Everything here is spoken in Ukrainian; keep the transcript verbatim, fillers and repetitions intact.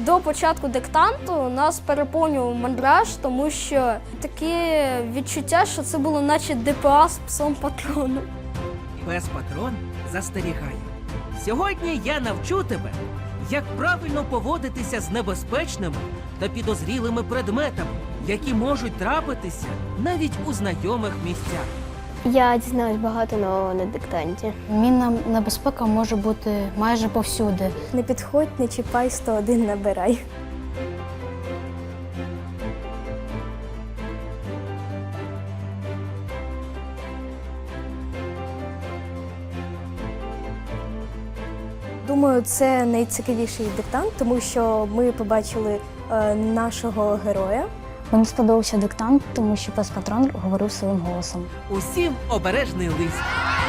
До початку диктанту нас переповнював мандраж, тому що таке відчуття, що це було наче ДПА з псом-патроном. Пес-патрон застерігає. Сьогодні я навчу тебе, як правильно поводитися з небезпечними та підозрілими предметами, які можуть трапитися навіть у знайомих місцях. Я дізнаюсь багато нового на диктанті. Мінна небезпека може бути майже повсюди. Не підходь, не чіпай, сто один набирай. Думаю, це найцікавіший диктант, тому що ми побачили е, нашого героя. Мені сподобався диктант, тому що пес-патрон говорив своїм голосом. Усім обережний лист.